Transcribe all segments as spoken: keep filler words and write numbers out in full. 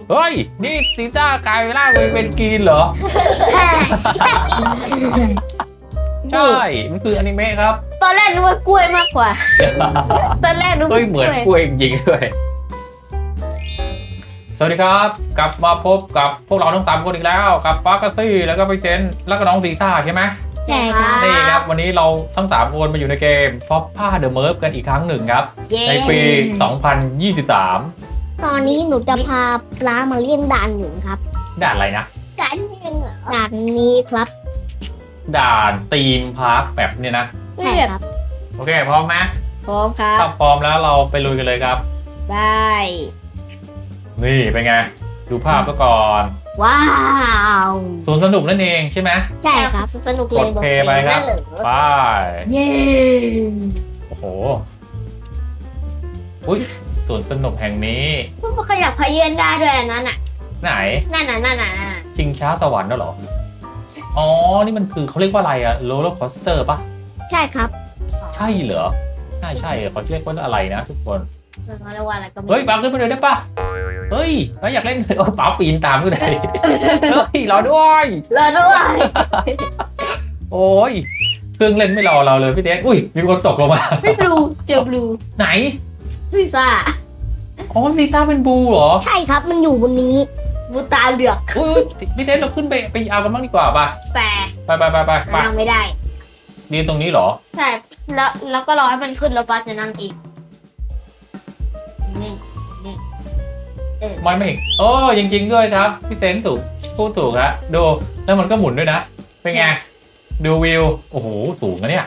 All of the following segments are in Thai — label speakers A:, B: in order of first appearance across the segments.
A: เฮ้ยนี่ซีต้ากลายร่างไปเป็นกรีนเหรอใช่มันคืออนิเมะครับ
B: ตอนแรกนึกว่ากล้วยมากกว่า ตอนแรกนึก
A: เฮ้
B: ว่าย
A: เหมือนกล้วยจริงๆด้วยสวัสดีครับกลับมาพบกับพวกเราทั้งสามคนอีกแล้วกับปาร์คซี่แล้วก็ไปเซนแล้วก็น้องซีต้าใช่ไหม
B: ใช่ครับ
A: นี่ครับวันนี้เราทั้งสามคนมาอยู่ในเกม Foppa The Merge กันอีกครั้งหนึ่งครับ
B: เย้
A: ในปี สองพันยี่สิบสาม
C: ตอนนี้หนูจะพาปลามาเล่นด่านหนึ่งครับ
A: ด่านอะไรนะ
B: กันยังเหรอ
C: ด่านนี้ครับ
A: ด่านธีมพาร์คแบบเนี่ยนะ
C: ใช่ครับ
A: โอเคพร้อมไหม
B: พร้อมครั
A: ถ้า
B: บ
A: พร้อมแล้วเราไปลุยกันเลยครับ
B: ได้
A: นี่เป็นไง ดูภาพซะก่อน
B: ว้าว
A: สวนสนุกนั่นเองใช่ไหม
C: ใช่ครับ
B: สนุกเลย
A: กดเพลย์ไปครับ
B: นั่นเหรอ
A: ไป
B: เย้
A: โอ้โหอุ้ยสวนสนุกแห่งนี้
B: พวกมันขยับขยื่นได้ด้วยอันนั้นน่ะ
A: ไหน
B: นั่นน่ะนั่นน่ะนั่นน่ะ
A: จริงช้าสวรรค์น่ะเหรอ อ๋อ นี่มันคือเขาเรียกว่าอะไรอะโรลเลอร์คอสเตอร์ปะ
C: ใช่ครับ
A: ใช่เหรอใช่ใช่เขาเรียกว่าอะไรนะทุกคน
B: เขาเรียกว่าอะไรก็ไม่
A: เฮ้ยปาขึ้นมาเลยได้ปะเฮ้ยเราอยากเล่นโอ้ป๋าปีนตามขึ้นเลยเฮ้ยรอด้วย
B: รอด้วย
A: โอ้ยเครื่องเล่นไม่รอเราเลยพี่เดชอุ้ยมีคนตกลงมา
B: ไม่บลูเจอบลู
A: ไหน
B: ซีซ่า
A: อ๋อซีต้าเป็นบูเหรอ
C: ใช่ครับ มันอยู่บนนี้
B: บูตาเหลือก
A: อุ้ยพี่เดชเราขึ้นไปไปเอากันบ้างดีกว่าป่ะ
B: แต่
A: ไปไปไปไปไป
B: นั่งไม่ได้
A: ยืนตรงนี้เหรอ
B: ใช่แล้วแล้วก็รอให้มันขึ้นแล้วป้าจะนั่งอีกนี่นี่เออ
A: ไม่ไม่โอ้จริงๆด้วยครับพี่เซนถูกพูดถูกแล้วดูแล้วมันก็หมุนด้วยนะเป็นไงดูวิวโอ้โหสูงนะเนี่ย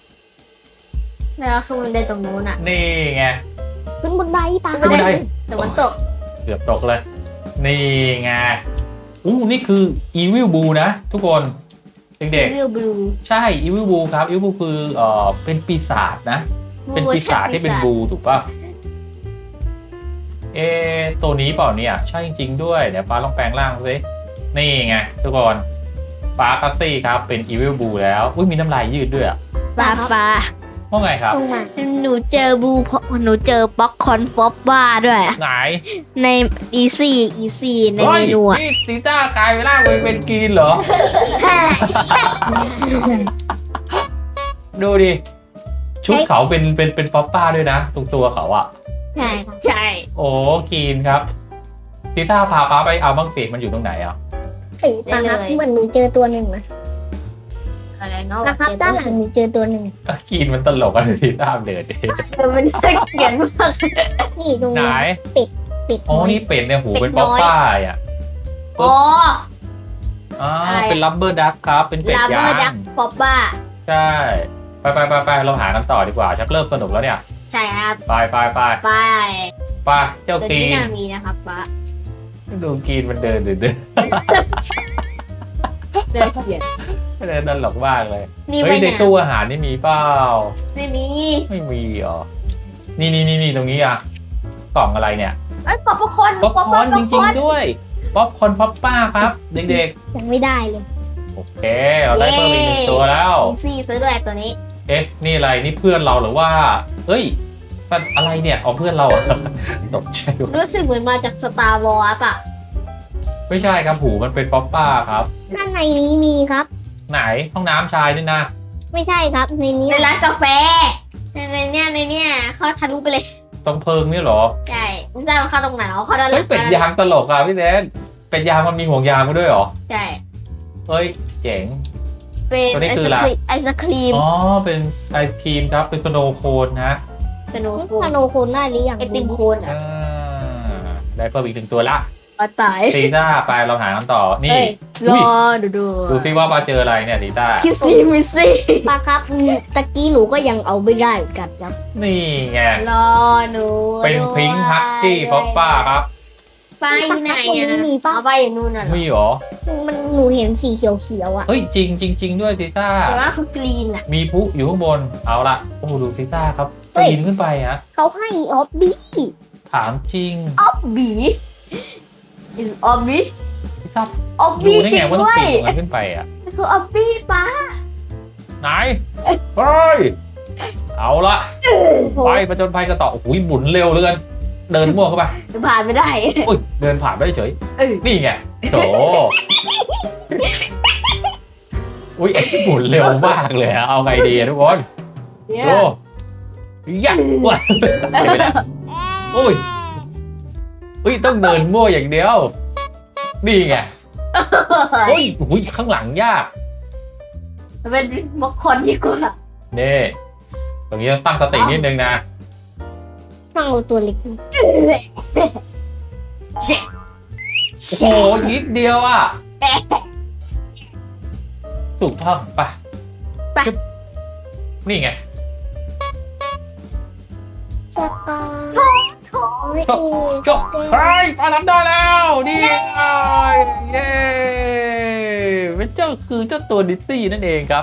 B: แล้วคือมันได้ตรงนู้นอ่ะ
A: นี่ไง
C: ขึ้นบนไดปลา
A: ขึ้นบันได
B: แต่มันตก
A: เกือบตกเลย นี่ไงอู้นี่คือ Evil Blue นะ ทุกคนเด็ก
B: วิวบลู
A: ๆใช่ Evil Blue ครับ Evil Blue คือเอ่อเป็นปีศาจนะ เป็นปีศาจที่เป็นบลูถูกป่ะ เอะตัวนี้เปล่าเนี่ยใช่จริงๆด้วยเดี๋ยวป้าลองแปลงร่างสินี่ไงทุกคนป้าคัสซี่ครับเป็น Evil Blue แล้วอุ้ยมีน้ำลายยืดด้วยอะ
B: ปลาปลา
A: ว่าไงครับ
C: ลงมา
B: หนูเจอบูเพราะหนูเจอป๊อกคอนฟอบบ้าด้วย
A: ไหน
B: ในอีซี่อีซี่ใน
A: ฮ้
B: เม
A: ย
B: นูอ่ะ
A: นี่ซีต้ากลายร่างไปเป็นกรีนเหรอ ดูดิ ชุดเขาเป็นเป็นเป็นฟอปป้าด้วยนะ ตรงตัวเขาอะ
C: ใช่ครับ
B: ใช่
A: โอ้กรีนครับซีต้าพาป้าไปเอาบ้างสิมันอยู่ตรงไหนอะ
C: ติปลาครับเหมือนหนูเจอตัวหนึ่งนะ
B: อะไรเนาะ
C: นะครับด้านหลังหนูเจอตัวหนึ่ง
A: ก็กรีนมันตลกอะซีต้าเดินดิ
B: เออมันน่าเกลียดมาก
C: นี่ตรง
A: ไหน
C: นี้ปิด
A: อ๋อ
C: น้อย
A: นี่เป็ดเนี่ยหู
B: เป็
A: เป็น
B: ด
A: ฟ
B: น้
A: อ
B: อย
A: ปป้าอ่ะ
B: อ๋อ
A: อ่า
B: อะไรอะ
A: เป็นลับเบอร์ดักครับ เป็นเป็ด
B: ลาเบ
A: ย่า
B: อร์ดัก
A: ง
B: ฟอบบ้า
A: ใช่ ไปไปไปไปเราหากันต่อดีกว่า ชักเริ่มสนุกแล้วเนี่ย
B: ใช่ครับ
A: ไปไปไป
B: ไป
A: ไปเจ้า
B: ตัว
A: กรี
B: นี้
A: น
B: น่ามีนะครับป้า
A: ดูกรีนมันเดินเดินเดิน
B: เดินเกลียด
A: เดินตลกมากเลย
B: นี่
A: เฮ้
B: ไว้
A: ยใน
B: เนี่ย
A: ตู้อาหารนี่มีเปล่า
B: ไม่มี
A: ไม่มีเหรอ นี่นี่นี่นี่ตรงนี้อ่ะ กล่องอะไรเนี่ย
B: ไอ้ยป๊อปคอร์น
A: ป๊อปคอร์นจริงๆด้วย ป๊อปคอร์นป๊อปป้าครับ เด็ก
C: ยังไม่ได้เลย
A: ๆ โอเค เราได้เพิ่มอีกหนึ่งตัวแล้ว
B: อีซี่ซื้อด้วยตัวนี้
A: เอ๊ะ นี่อะไร นี่เพื่อนเราหรือว่า เฮ้ย สัตว์อะไรเนี่ยเอาเพื่อนเราอะ ตกใจว่ะ
B: รู้สึกเหมือนมาจากสตาร์วอร์ป่ะ
A: ไม่ใช่ครับหูมันเป็นป๊อปป้าครับ
C: ด้านในนี้มีครับ
A: ไหนห้องน้ำชายนี่นะ
C: ไม่ใช่ครับในนี้
B: ในร้านกาแฟในในเนี่ยในเนี่ยเขาทะลุไปเลย
A: ตรงเพิงนี่เหรอ
B: ใช่ไม่ทราบว่าเข้าตรงไหนเขาเข้าด้านหลั
A: เฮ้ย
B: ง
A: เป็ดยางตลกอ่ะพี่แดนเป็ดยางมันมีห่วงยางมาด้วยเหรอ
B: ใช่
A: เฮ้ย เจ๋ง
B: เป็น
A: ตัวนี้
B: ไอ
A: คือ
B: ศ
A: อะไร
B: ครีมไอศครีม
A: อ๋อ เป็นไอศครีมครับ เป็นสโนว์โคนนะ
B: สโนว์โค
C: พาน โนโคนได้หรือยัง
B: ไอติมโคนอ่ะ
A: อ่าได้เพิ่มอีกหนึ่งตัวละ
B: ปลาตาย
A: ซีต้าไปเราหากันต่อ นี่
B: เอ้ยร
A: อุ้
B: อย ดูดู
A: ดูซิว่ามาเจออะไรเนี่ยซีต้า
B: คิสซี่มิสซี่
C: ปลาครับอืมตะกี้หนูก็ยังเอาไม่ได้เหมือนกันครับ
A: นี่ไง
B: รอหนู
A: เป็นพิงค์ฮักกี้ป๊อปป้าครับ
B: ไปอยู่ไหนอ่ะเอาไปอย่างนู้นน่ะเหรอ
A: มีเหรอ
C: มันหนูเห็นสีเขียวๆอ่ะ
A: เฮ้ย จริงจริงจริงด้วยซีต้า
B: แต่ว่าคือกรีนอ่ะ
A: มีพุอยู่ข้างบน เอาละโอ้โหดูซีต้าครับ
C: เฮ้ย
A: ปีนขึ้นไปฮะ
C: เขาให้ออฟบี้
A: ถามจริง
B: ออบบีอินออบบี
A: ซีต้า
B: ออบ
A: ดู
B: บี
A: ได้
B: จริ
A: ไง
B: ง
A: ว่าต้อง
B: ด้วย
A: ปีนตรงนั้นขึ้นไปอ่ะ
B: คือออบบี้ป้า
A: ไหน เฮ้ย เอาละ ไปประจนภัยกันต่อโอ้โหหมุนเร็วเหลือเกินเดินมั่วเข้าไป
B: ผ่านไม่ได้
A: อุ้ยเดินผ่านไปเฉย
B: เออ
A: นี่ไงโถอุ้ยไอ้ที่หมุนเร็วมากเลยอะเอาไงดีอะทุกคน
B: เนี่ย
A: โอ้ยักษ์ว่ะไม่ได้อุ้ยอุ้ยต้องเดินมั่วอย่างเดียวนี่ไงอุ้ยอุ้ยข้างหลังยาก
B: เป็นบล็อกคอนดีกว่า
A: นี่ตรงนี้ต้องตั้งสตินิดนึงนะ
C: ต้องเอาตัวเล็ก
B: เช็ค
A: โอ้โหนิดเดียวอ่ะถูกต้องปะ
C: ไป
A: จึ๊บนี่ไง
C: สตาร์
A: จบจบเฮ้ยปลาทำได้แล้วนี่ไงเย้เป็นเจ้าคือเจ้าตัวดิสซี่นั่นเองครับ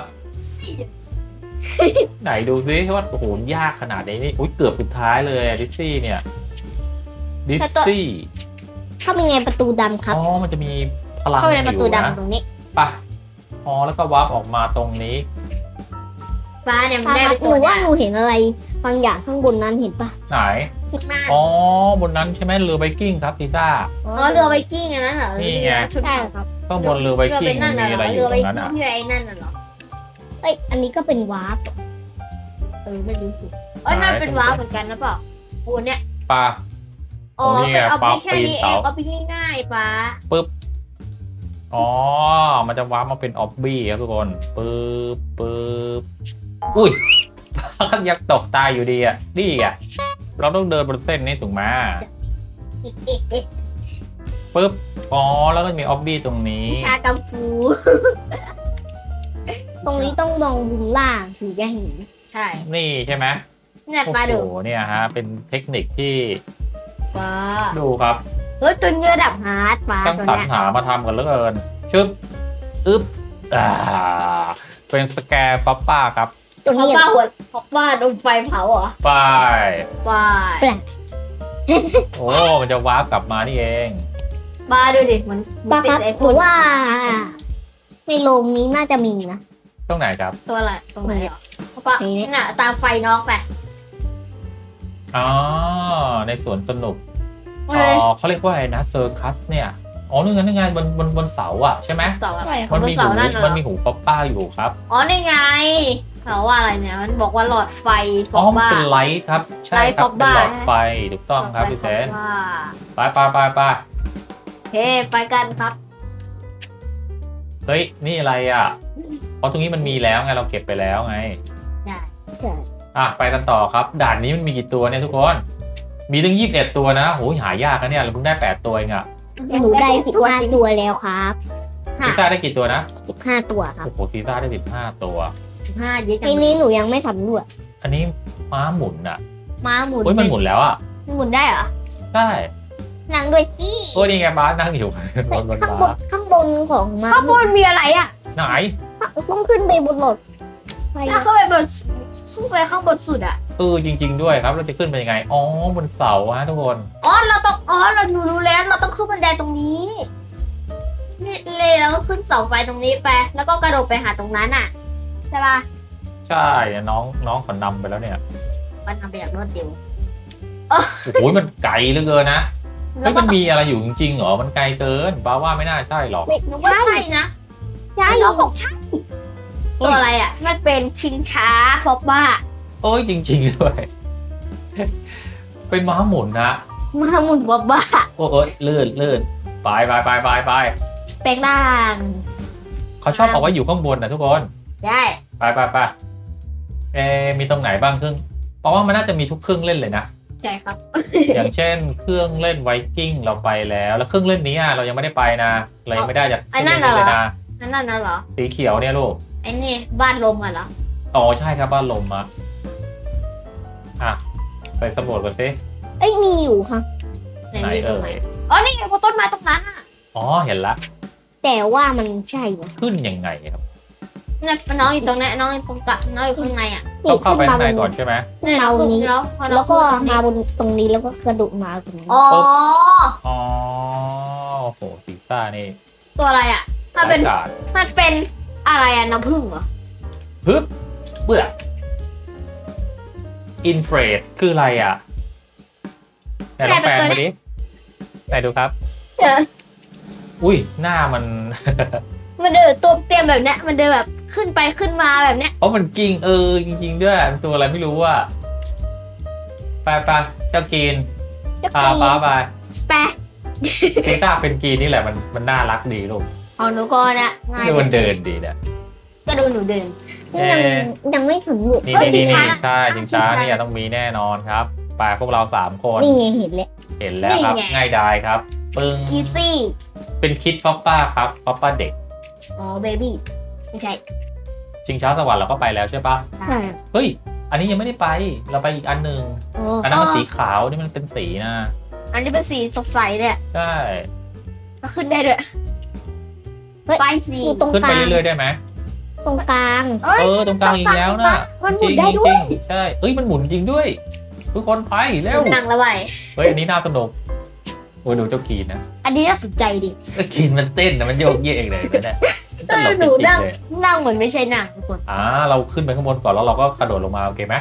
A: ไหนดูซิว่าโอ้โหยากขนาดนี้นี่อุ้ยเกือบสุดท้ายเลยอะดิสซี่เนี่ยดิสซี่
C: เข้าเป็นไงประตูดำครับ
A: อ๋อมันจะมีพลัง
C: เข้าไปในประตู
A: อยู่นะ
C: ดำตรงนี้
A: ปะอ๋อแล้วก็วาร์ปออกมาตรงนี้
B: ฟ้าเนี่ยมัน
C: ป้า
B: ได้
C: ครั
B: ไป
C: บห
B: ตัว
C: นูว่า
B: ได้
C: หนูเห็นอะไรบางอย่างข้างบนนั้นเห็นปะ
A: ไหน
B: มาก
A: อ๋อบนนั้นใช่ไหมเรือไวกิ้งครับพิซซ่า
B: อ๋อเรือไวกิ้งอันนั้นเหรอ
A: นี่ไง
B: ชุด
C: ใช่
B: เก่า
C: ครับ
A: ข้างบนเรือไว
B: เรือ
A: กิ้
B: เป็
A: ง
B: นนั่น
A: มี
B: น่ะเหร
A: อะไร
B: อ
A: อ
B: เรื
A: ยู่
B: อไว
A: ตรงนั้น
B: กิ้ง
A: อ่ะ
B: ที่ไอ้นั่นน่ะเหรอ
C: เอ้ยอันนี้ก็เป็นวาร์ป
B: เออไม่รู้สิเอ้ยนั่นเป็นว้าวเหมือนกันนะเปล่าโอ้เนี่ย
A: ปลา
B: อ๋อ
A: โอ้นี่ไง
B: เป็นเอา
A: ปลา
B: ไปแค่นี้
A: ปีน
B: เอ
A: เสา
B: งเอาไปง่ายๆป้า
A: อ๋อมันจะวาร์ปมาเป็นออบบี้ครับทุกคนปึ๊บปึ๊บอุ้ย ขันยักษ์ตกตายอยู่ดีอ่ะนี่อ่ะเราต้องเดินบนเส้นนี้ถูกไหม
B: อีกอีกอีก
A: ปึ๊บอ๋อแล้วก็มีออบบี้ตรงนี้
B: วิชากังฟู
C: ตรงนี้ต้องมองมุมล่างถึงจะเห็น
B: ใช่
A: นี่ใช่ไหม
B: เนี่ย
A: โอ้
B: ป้าดู
A: โหเนี่ยฮะเป็นเทคนิคที่
B: ป้า
A: ดูครับ
B: เฮ้ยตัวเนื้อดับฮาร์ดป้า
A: ต้อง
B: ตัว
A: สรร
B: เนี้ย
A: หามาทำกันเหลือเกินชึบอึ๊บอ่าเป็นสแกร์ป๊อปป้าครับ
C: ตรง
B: เพราะ
C: นี้
B: ป้าหัวเพราะป้าโดนไฟเผาเหรอ
A: ไป
B: ป้า
A: โอ้มันจะวาร์ปกลับมานี่เอง
B: ป้าดูดิมันมั
C: ป้าน
B: ติ
C: ค
B: ด
C: รับ
B: ไอ้
C: ห
B: พ
C: นู
B: วก
C: ว่าในโรงนี้น่าจะมีนะ
A: ตรงไหนครับ
B: ตัวอะไรตรงไหนเหรอเพราะป้า
C: นี่
B: น่ะตามไฟน้องไป
A: อ๋อในสวนสนุก
B: เฮ้
A: อ๋
B: ย
A: อเขาเรียกว่าอะไรนะเซอร์คัสเนี่ยอ๋อนี่ไงนี่ไงบนบนบนเสาอ่ะใช่ไหม
B: เสาอะไร
A: มัน
B: บน
A: มี
B: เสา
A: หู
B: นั่นน่ะเหร
A: มัน
B: อ
A: มีหูป๊อปป้าอยู่ครับ
B: อ๋อนี่ไงเขาว่าอะไรเนี่ยมันบอกว่าหลอดไฟฟ
A: อ๋
B: อ
A: อก มัน
B: บ้า
A: เป็นไลท์ครับใช่
B: ไลท์
A: ครับ
B: ฟอก
A: เป็น
B: บ้า
A: หลอดไฟถูกต้องครับพี่เซน
B: ว่า
A: ไปไปไปไป
B: เฮ้ไปกันครับ
A: เฮ้ยนี่อะไรอ่ะเพราะตรงนี้มันมีแล้วไงเราเก็บไปแล้วไง
B: ใช่
C: ใช่
A: อ่ะไปกันต่อครับ ด่านนี้มันมีกี่ตัวเนี่ยทุกคน มีถึงยี่สิบเอ็ดตัวนะโหหายากนะเนี่ยเราเพิ่งได้แปดตัวเองอะ
C: หนูได้สิบห้าตัวแล้วครับ
A: ซีซ่าได้กี่ตัวนะ
C: สิบห้าตัวครับ
A: โอ้โหซีซ่าได้สิบห้าตัว
B: สิบห้าเยอะจั
C: ที
B: ง
C: นี้หนูยังไม่สำรวจ
A: อันนี้ม้าหมุนอะ
B: ม้าหมุน
A: เฮ้ยมันหมุนแล้วอะ
B: หมุนได้เหรอ
A: ใช่
C: นั่งด้วยจี้
A: โอ้ยนี่ไงบ้าสนั่งอยู่บนบน
C: ข้างบ
A: บ้าน
C: ข้างบนของมา
B: ข้างบนมีอะไรอ่ะ
A: ไหน
C: ต้องขึ้นไปบนรถไป
B: ถ้าเข้าไปบนขึ้นไปข้างบนสุดอ่ะ
A: เออจริง ๆ ด้วยครับเราจะขึ้นไปยังไงอ๋อบนเสาฮะทุกคน
B: อ๋อเราต้องอ๋อเราหนูรู้แล้วเราต้องขึ้นบันไดตรงนี้นี่เลยเราก็ขึ้นเสาไฟตรงนี้ไปแล้วก็กระโดดไปหาตรงนั้นอ่ะใช่ป่ะ
A: ใช่น้องน้องขอนำไปแล้วเนี่ย
B: มันทำไปอย่างรวดเร็ว
A: โอ้โหมันไกลเหลือเกินนะ
B: แล้
A: เฮ้
B: วย ก็
A: มันมีอะไรอยู่จริงๆเหรอมันไกลเกินบ้าว่าไม่น่าใช่หรอก
B: หนูว่าใช่นะ
C: ใช่
B: เราบอกใช่ตัวอะไรอ่ะมันเป็นชิงช้าเพราะว่า
A: เอ้ยจริงๆด้วย เป็นม้าหมุนนะ
B: มาหมุนว่าบ้า
A: โอ้เอ้ยลื่นลื่นไปไปไปไปไป
B: แปลงร่าง
A: เขาชอบเอาไว้อยู่ข้างบนนะทุกคน
B: ได้
A: ไปไปไปเอะมีตรงไหนบ้างเครื่องเพราะว่ามันน่าจะมีทุกเครื่องเล่นเลยนะ
B: ใช่ครับ
A: อย่างเช่น เครื่องเล่นไวกิ้งเราไปแล้ว แล้วเครื่องเล่นนี้อะเรายังไม่ได้ไปนะเรายังไม่ได้จากเครื่องเล่นนี้เลยนะ
B: นั่นน่ะเหรอ
A: สีเขียวเนี่ยลูก
B: ไอ้นี่บ้านลมอ่ะเหรอ
A: อ๋อใช่ครับบ้านลมอะอ่ะไปสำรวจกันสิ
C: เอ้ยมีอยู่ครับ
B: ไหน
A: ไหน
B: มีตร
A: เอ่
B: งไหน
A: ย
B: อ๋อนี่ไงพอต้นไม้ตรงนั้นอ่ะ
A: อ๋อเห็นละ
C: แต่ว่ามันใช่ไหม
A: ขึ้นยังไงครับ
B: เนี่ยน้องอยู่ตรงนี้น้องอยู่ตรงกะน้องอยู่ข้างในอ่ะ
A: ต้องเข้าไป
C: ขึ้
A: ข้างใน
C: บ
A: ก่อนใช่ไหม
C: ขึ้นมาบนนี้
B: แล้วพอน้
C: แล้
B: อง
C: วก็
B: ขึ้น
C: มาบนตรงนี้แล้วก็กระโดดมาตรงนี้
B: อ๋อ
A: อ๋อโอ้โหซีซ่านี่
B: ตัวอะไรอ่ะ ถ้าเป็น
A: ร้ยกาจ
B: มันเป็นอะไรอ่ะน้ำผึ้งเหรอ
A: ฮึบเบื่ออินเฟรดคืออะไรอ่ะไหนลองแปลงมาดิไหนดูครับ
B: เดี๋ยว
A: อุ้ยหน้ามัน
B: มันเดินตัวเตรียมแบบเนี้ยมันเดินแบบขึ้นไปขึ้นมาแบบเนี้ย
A: เพราะมันกิ้งเออจริงๆด้วยมันตัวอะไรไม่รู้อ่ะไปไปเจ้ากีน
B: จะ
A: พา
B: ปี
A: ฟ้าไป
B: แปะ
A: กีต้าเป็นกีนนี่แหละมันมันน่ารักดีลูก
B: เอาหนูก่อนนะง่าย
A: ดูมันเดินดีนะ
B: ก็ดูหนูเดิน
C: นี่ยัง
A: เอ๊ะ
C: ยังไม่สมบูรณ์
A: นี่
B: เอ้ย
A: นี่นี่
B: ชิงช้า
A: ใช่จริงช้าเนี่ยต้องมีแน่นอนครับไปพวกเราสามคน
C: นี่ไงเห็นแล้ว
A: เห็นแล้วครับ
B: นี่ไง
A: ง่ายดายครับ ปึ้ง
B: อีซี่
A: เป็นคิดป๊อปป้าครับป๊อปป้าเด็ก
B: อ๋อเบบี้ไม่ใช่
A: ชิงช้าสวรรค์เราก็ไปแล้วใช่ปะ
C: ใช่
A: เฮ้ย อันนี้ยังไม่ได้ไป เราไปอีกอันหนึ่ง
C: โอ้
A: อันนั้นมันสีขาวนี่มันเป็นสีนะ
B: อันนี้เป็นสีสดใสเนี่ย
A: ใช่
B: ก็ขึ้นได้ด้วยไปสี
C: อยู่ตรง
A: ขึ้น
C: ก
A: ไป
C: ลาง
A: เรื่อยๆได้ไหม
C: ตรงกลาง
B: เอ้ย
A: เออตรงกลางอีกแล้วนะ
B: มันห
A: จ
B: มุ
A: ริ
B: น
A: ง
B: ได้
A: จ
B: ด้วย
A: ริงใช่เอ้ยมันหมุนจริงด้วย ทุกคนไปเร็ว
B: หนังระบาย
A: เฮ้ยอันนี้น่าสนุกโอ้ยดูเจ้ากีนนะ
B: อันนี้น่าสนใจดิ
A: เจ้ากีนมันเต้นนะมันโยกเยกเองเลยนะตลก
B: หนู
A: จริ
B: นั่
A: ง
B: ง
A: ๆเลย
B: นั่งเหมือนไม่ใช่หนังทุกคน
A: อ่าเราขึ้นไปข้างบนก่อนแล้วเราก็กระโดดลงมาโอเคไหม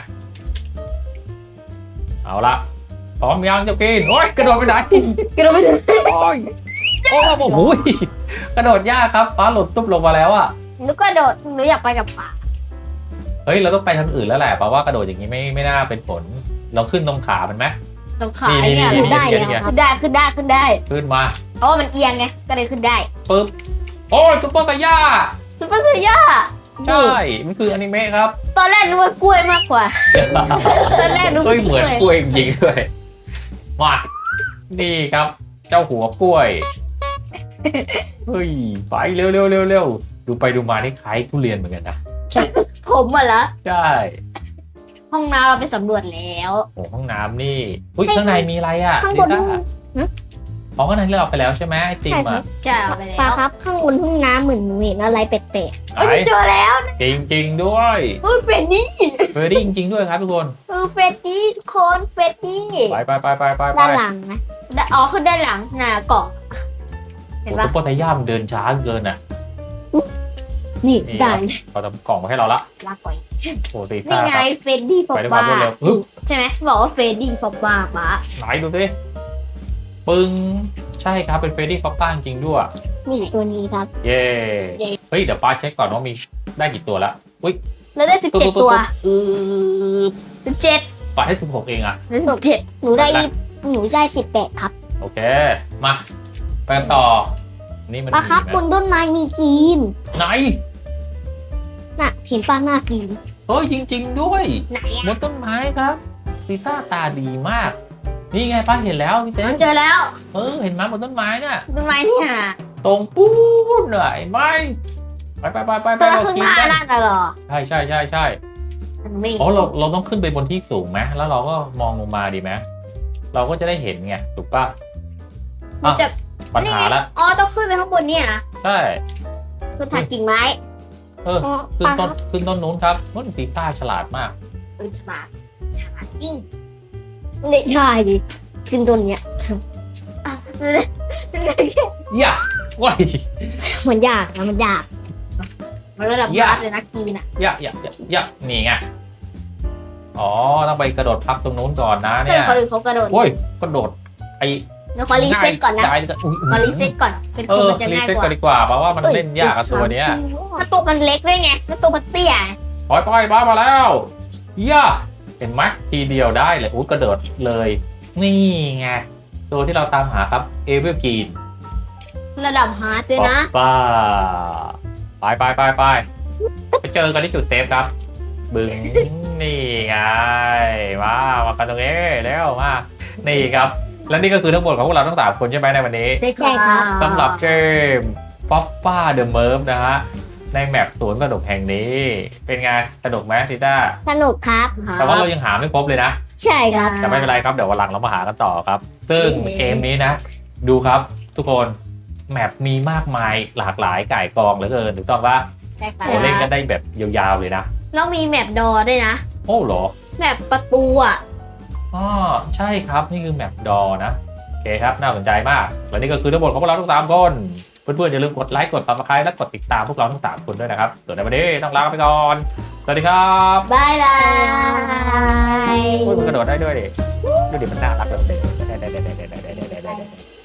A: เอาละพร้อมยังเจ้ากีนโอ้ยกระโดดไปไหน
B: กระโดดไปเลย
A: โอ้ยโอ้โหโอ้ยกระโดดยากครับฟ้าหลุดตุ๊บลงมาแล้วอ่ะ
B: หนูกระโดดหนูอยากไปกับป๋า
A: เฮ้ยเราต้องไปทางอื่นแล้วแหละเพราะว่ากระโดดอย่างนี้ไม่ไม่น่าเป็นผลเราขึ้นตรงขามันไหม
B: ตรงขา
A: นี่
B: เนี่ย
A: นี่
C: ได้
A: นี่
C: แล้วครับ
B: ขึ้นได้ขึ้นได้ขึ้นได้
A: ขึ้นมา
B: เพราะว่ามันเอียงไงก็เลยขึ้นได้
A: ปึ๊บโอ้ยซุปเปอร์ไซย่า
B: ซุปเปอร์เซีย
A: ใช่มันคืออนิเมะครับ
B: ตอนแรกนึกว่ากล้วยมากกว่าตอนแรกนึก
A: เฮ้
B: ว่าย
A: เหมือนกล้วยจริงๆด้วยมานี่ครับ เจ้าหัวกล้วยเฮ้ยไปเร็วเร็วเร็วเร็วดูไปดูมานี่คล้ายทุเรียนเหมือนกันนะ
B: ผมอ่ะเหรอ
A: ใช่
B: ห้องน้ำเราไปสำรวจแล้ว
A: โอ้ห้องน้ำนี่อุ้ยข้างในมีอะไรอ่ะ
C: ข้างบน
A: ลิ
C: ห้
A: ต้า
C: อง
A: อ๋อข้างในเราไปแล้วใช่ไหมไอติม
C: ใช่ครั
A: อ่ะ
C: บ
B: จะเอาไป
C: ปลา
B: แล้ว
C: ครับข้างบนห้องน้ำเหมือนหนูเห็นอะไรแปลก
A: ไหน
B: เอ้ยเจอแล้ว
A: จริงจริงๆด้วย
B: เฮ้ยเฟรดดี้
A: เฟรดดี้จริงๆด้วยครับทุกคน
B: เออเฟรดดี้ทุกคนเฟรดดี้
A: ไปไปไปไปไป
C: ๆ
A: ไป
C: ด้านหลังนะ
B: ได้อ๋อขึ้นด้านหลังหน้ากล่องเห็น
A: โอ้
B: ปะ
A: ซุปเปอร์ไทย่ามนเดินช้าเกินอ่ะ
C: นี่
A: นี่
C: ได้
A: เขาทำกล่องมาให้เราละ
B: ลากก่อย
A: โอ้ตี
B: นี่
A: ซ่า
B: ไง
A: ครับ
B: เฟรดดี้ฟอ
A: ไป
B: บ
A: ด้วยความ
B: บ้าร
A: วดเร็วฮึบ
B: ใช่ไหมบอกว่าเฟรดดี้ฟอบบ้าปะ
A: ไหนดูสิปึ้งใช่ครับเป็นเฟรดดี้ฟอปป้าจริงๆด้วย
C: นี่ตัวนี้ครับ
A: เย้เฮ้ยเดี๋ยวป้าเช็คก่อนว่ามีได้กี่ตัวละอุ้ย
B: แล้วได้สิบเจ็ดตัว
A: อือ
B: สิบเจ็ด
A: ป้าให้สิบหกเองอ่ะ
B: แล้วสิบเจ็ด
C: หนูได้หนูได้สิบแปดครับ
A: โอเคมาไปกันต่อนี่มัน
C: ปลาครับ
A: มี
C: บ
A: ไหม
C: นต้นไม้มีจีน
A: ไหน
C: น่ะเห็นปลาหน้าจีน
A: เฮ้ยจริง ๆ ด้วย
B: ไหน
A: บ
B: อ่ะ
A: นต้นไม้ครับซีซ่าตาดีมาก นี่ไงป้าเห็นแล้วพี่เต้
B: เจอแล้ว
A: เออเห็นไหมบนต้นไม้น่ะ
B: ต้นไม้เนี่ย
A: ตรงปูนเหนื่อยไหมไปไปไปไปไป
B: ตัว
A: เรา
B: ข้าง
A: กิ
B: ห
A: น
B: น้า
A: กัน
B: นั่นน่ะเหรอ
A: ใช่ใช่ใช่ใช่
B: มันไม่
A: อ๋อเราเราต้องขึ้นไปบนที่สูงไหมแล้วเราก็มองลงมาดีไหมเราก็จะได้เห็นไงถูกปะ
B: มันจะ
A: ปัญหาละ
B: อ๋อต้องขึ้นไปข้างบนเนี่ยนะ
A: ใช่
B: คือถักกิ่งไม้
A: เออ
C: อ๋อ
A: ขึ้
C: ป
A: น
C: ลาค
A: ต้
C: รั
A: น
C: บ
A: ขึ้นต้นนู้นครับนุ่นซีต้าฉลาดมาก
B: เออฉลาดฉลาดจริง
C: ได้ได้ดิขึ้นต้นเนี้ย
B: อ่ะ
A: อย่าว้าย
C: มันยากนะมันยาก
B: มันระดับ
A: อย่า
B: บาสเลยนะกีนอ่ะ
A: อย่าอย่าอย่าอย่านี่ไงอ๋อต้องไปกระโดดพับตรงนู้นก่อนนะ
B: เพื่
A: เนี่
B: อน
A: ย
B: คนอื่นเขากระโดด
A: โอ้ยกระโดดไอ้
B: เดี๋ยวขอรีเซ็ตก่อนนะ
A: ได้ได้อุ๊ย
B: ขอรีเซ็ตก่อนเป็น
A: เอ
B: คน
A: อ
B: มันจะ
A: รี
B: ง่าย
A: เซ็ต
B: กว่า
A: กันดีกว่าเพราะว่ามันเล่นยากกับตัวเนี้ย
B: ถ้าตัวมันเล็กด้วยไงแล้วตัวมันเตี้ย
A: ปล่อยปล่อยบ้ามาแล้วย่าเห็นไหมทีเดียวได้เลยอุ้ยกระโดดเลย นี่ไงตัวที่เราตามหาครับเอเวอร์กีน
B: ระดับฮาร์ดด้วยนะ
A: ป้าไปไปไปไปไปเจอกันที่จุดเซฟครับ บึงนี่ไงมามากันตรงนี้แล้วมานี่ครับ และนี่ก็คือทั้งหมดของพวกเราทั้งสามคนใช่ไหมในวันนี้
B: ใช่
C: ใช่ครับ
A: สำหรับเกมป๊อปป้าเดอะเมิร์ฟนะฮะในแมปสวนสนุกแห่งนี้ เป็นไงสนุกไหมทิต้า
C: สนุกครับ
A: แต่ว่าเรายังหาไม่ครบเลยนะ
C: ใช่ครับ
A: แต่ไม่เป็นไรครับเดี๋ยววันหลังเรามาหากันต่อครับ ซึ่งเกมนี้นะ ดูครับทุกคนแมปมีมากมายหลากหลายก่ายกองเหลือเกินถูกต้องปะ
B: ใช่ค่ะ
A: โอ้เล่นกันได้แบบยาวๆเลยนะ
B: แล้วมีแมปดอด้วยนะ
A: โอ้เหรอ
B: แมปประตูอ่ะ
A: อ๋อใช่ครับนี่คือแมปดอนะโอเคครับน่าสนใจมากและนี่ก็คือทั้งหมดของพวกเราทั้งสามคนเพื่อนๆอย่าลืมกดไลค์กด ซับสไครบ์และกดติดตามพวกเราทั้งสามคนด้วยนะครับส่วนในวันนี้ต้องลาไปก่อนสวัสดีครับ
B: บายบาย
A: โอ้ยมันกระโดดได้ด้วยดิดูดิมันน่ารักแบบเด็ก
B: เดี๋ยวเดี๋ยว